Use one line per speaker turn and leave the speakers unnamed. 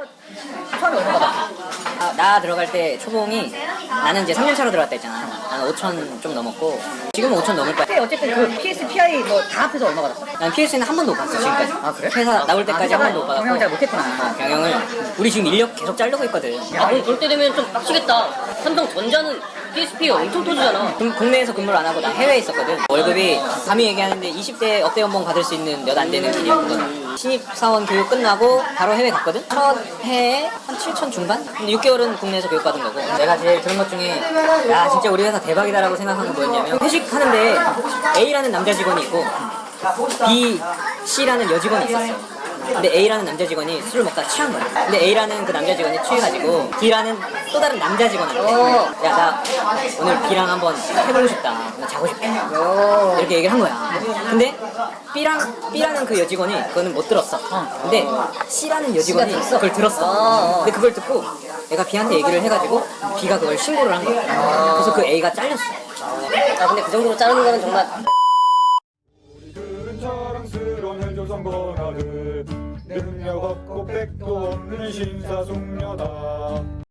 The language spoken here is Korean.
처음에 얼마 받았어?
나 들어갈 때 초봉이 나는 이제 3년차로 들어갔다 했잖아. 나는 5천 좀 넘었고 지금은 5천 넘을 거야.
그때 어쨌든 그 PS, PI 뭐 다 합해서 얼마 받았어?
난 PS는 한 번도 못 봤어 지금까지.
아 그래?
회사 나올 때까지 한 번도 못 받았고.
경영 잘 못했구나.
경영을 우리 지금 인력 계속 자르고 있거든.
야, 그럼 때 되면 좀 빡치겠다. 삼성전자는 PSP가 엄청 터지잖아.
국내에서 근무를 안 하고 나 해외에 있었거든. 월급이 감히 얘기하는데 20대 업대 연봉 받을 수 있는 몇 안 되는 길이었거든. 신입사원 교육 끝나고 바로 해외 갔거든. 첫 해에 한 7천 중반? 근데 6개월은 국내에서 교육받은 거고. 내가 제일 들은 것 중에 야 진짜 우리 회사 대박이다라고 생각한 건 뭐였냐면 회식하는데 A라는 남자 직원이 있고 B, C라는 여직원이 있었어. 근데 A라는 남자 직원이 술을 먹다 취한 거야. 근데 A라는 그 남자 직원이 취해가지고 B라는 또 다른 남자 직원한테 야 나 오늘 B랑 한번 해보고 싶다. 나 자고 싶다. 이렇게 얘기를 한 거야. 근데 B라는 그 여직원이 그거는 못 들었어. 근데 C라는 여직원이 그걸 들었어. 근데 그걸 듣고 내가 B한테 얘기를 해가지고 B가 그걸 신고를 한 거야. 그래서 그 A가 잘렸어.
아, 근데 그 정도로 자르는 거는 정말.
우리들은 자랑스러운 헬조선 권아들 능력 없고 백도 없는 신사숙녀다.